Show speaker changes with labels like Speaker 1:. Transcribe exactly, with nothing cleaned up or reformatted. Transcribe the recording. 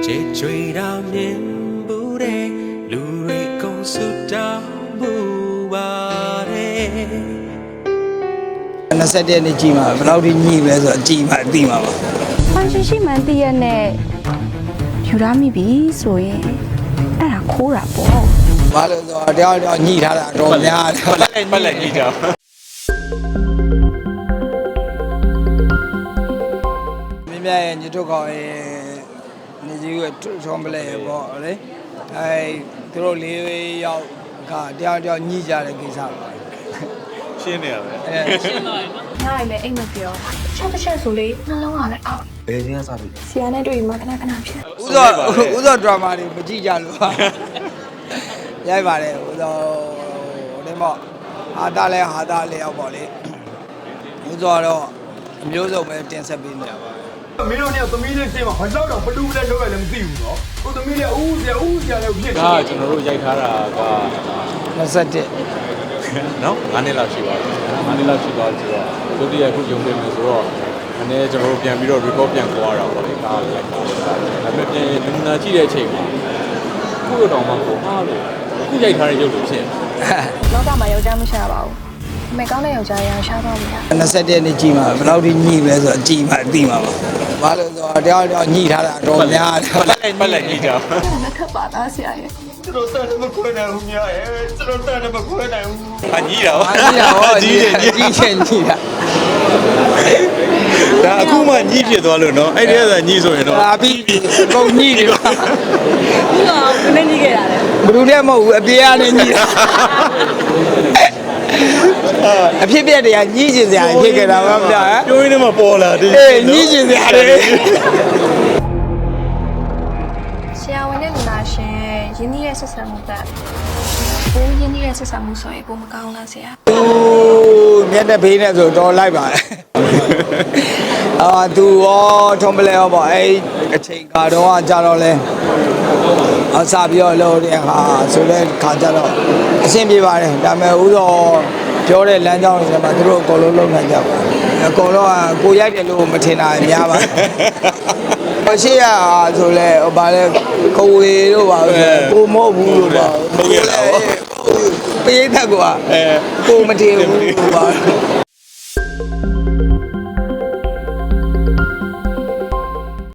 Speaker 1: Che chui ra miền bù đê lùi công su đau bù ba đê
Speaker 2: နှစ်ဆက်တဲ့နေ့ကြည်မှာဘယ်လောက်ထိညှိလဲဆိုတော့ကြည်မှာသိမှာပါ
Speaker 3: ။ဖန်ရှင်ရှိမှန်တည့်ရနဲ့ယူရမိပြီဆိုရင်အဲ့ဒါခိုးတာပေါ့
Speaker 2: ဘာလို့ဆိုတော့တယောက်တယောက်ညှိထားတာတော့များတယ်
Speaker 1: ပတ်လက်ပတ်လက်ကြီးကြောင်
Speaker 2: မြင်းမြရဲ့ညထုတ်ကောင်ရဲ့နေကြီးကထုံးပလဲပေါ့လေအဲသူတို့လေးယောက်ကတယောက်တယောက်ညှိကြတဲ့ကိစ္စပါ
Speaker 1: ရှင်းနေရပဲ
Speaker 2: အဲ
Speaker 4: ။ညရင်လည်းအိမ်မပြော။ချက်တစ်ချက်ဆိုလေနှလုံးကလည်းအောက်
Speaker 1: ဘယ်ချင်းကစားပြီ
Speaker 4: ။ဆရာနဲ့တွေ့မှခဏခဏဖြစ်
Speaker 2: ဥသောဥသောဒရာမာတွေမကြည့်ကြလို့ပါရိုက်ပါတယ်ဥသောဟိုဒီမော့ဟာတာလဲဟာတာလဲရောက်ပေါ့လေဥသောတော့အမျိုးစုံပဲတင်ဆက်ပေးနေတာပါ
Speaker 5: မင်းတို့เนี่ยသမီးလေးရှင်းမှာဘာလို့တော့ဘလူးလည်းလောက်ရလည်းမသိဘူးเนาะကိုသမီးလေးအူးဆရာအူးဆရာလည်းဖြစ်
Speaker 6: ဒါကကျွန်တော်တို့ရိုက်ထားတာက
Speaker 2: နှစ်ဆက်တဲ့
Speaker 6: နော်ငါးနှစ်လောက်ရှိပါပြီငါးနှစ်လောက်ရှိသွားပြီဆိုတော့ဒုတိယခုရုံတင်မယ်ဆိုတော့အနေကျွန်တော်တို့ပြန်ပြီးတော့ record ပြန်ခေါ်ရတာပေါ့လေကားလိုက်တာဒါပေမဲ့ပြန်နမူနာကြည့်တဲ့အချိန်မှာခုတော့မှကိုအားလို့ခုရိုက်ထားတဲ့ရုပ်လိုဖြစ်
Speaker 4: ။လောကမှာယောက်ျားမရှာပါဘူး။အမေကောင်းတဲ့ယောက်ျားရရှားတော့မရ
Speaker 2: နှစ်ဆက်တဲ့နေ့ကြည်မှာဘယ်လောက်ထိညှိလဲဆိုတော့ကြည်မှာသိမှာပါဘာလို့ဆိုတော့တယောက်တယောက်ညှိထားတာတော့များတယ်
Speaker 6: ပတ်လက်ပတ်လက်ကြီးကြောင်
Speaker 4: ။လက်ထပ်ပါသားဆရာရဲ့
Speaker 5: ကျွန်တော်တန်တယ်မခွဲနိုင်ဘူးများရဲ့ကျွန်တော်တန်တယ်မခွဲနိုင်ဘူး
Speaker 6: အကြီးတာ
Speaker 2: ဘာညှိတာဟောကြီးတယ်ကြီးချင်ညှိတာ
Speaker 6: ဒါအခုမှညှိဖြစ်သွားလို့နော်အဲ့ဒီကညှိဆိုရင်တော့
Speaker 2: ဟာပြီးပြီပုံညှိတယ်ပါ
Speaker 4: ။ဘူးတော့ဘယ်နဲ့ကြီးခဲ့တာလဲ
Speaker 2: ဘယ်သူလည်းမဟုတ်ဘူးအပြေးကနေညှိတာအဖြစ်ပြက်တွေကညှိချင်စရာဖြစ်ခဲ့တာပါဗျာ
Speaker 6: ပြိုးရင်းနဲ့မှပေါ်လာတယ်
Speaker 2: အေးညှိချင်စရာတွေ
Speaker 4: ။ဆရာဝန်နဲ့လူနာရှင်ရင်းနှီးရဲ့ဆက်ဆံမှုကဘိုးရင်းနှီးရဲ့ဆက်ဆံမှုဆိုရင်ဘိုးမကောင်းလားဆရာ
Speaker 2: ဟိုမျက်နှာဖေးနဲ့ဆိုတော့လိုက်ပါအာသူရောထုံးပလဲရောပေါ့အဲ့အချိန်ကတော့ကြာတော့လဲအစားပြီးတော့လို့တဲ့ဟာဆိုတဲ့ခါကြတော့အဆင်ပြေပါတယ်ဒါပေမဲ့ဥသောပြောတဲ့လမ်းကြောင်းတွေမှာသူတို့အကုန်လုံးလုံးနိုင်ကြပါအကုန်လုံးကကိုရိုက်တယ်လို့မထင်တာများပါဟိုရှိရဆိုလဲဟိုဗာလဲကိုဝေတို့ပါကိုမဟုတ်ဘူးလို့ပါပေးတတ်ကွာအဲကိုမထင်ဘူးလို့ပါ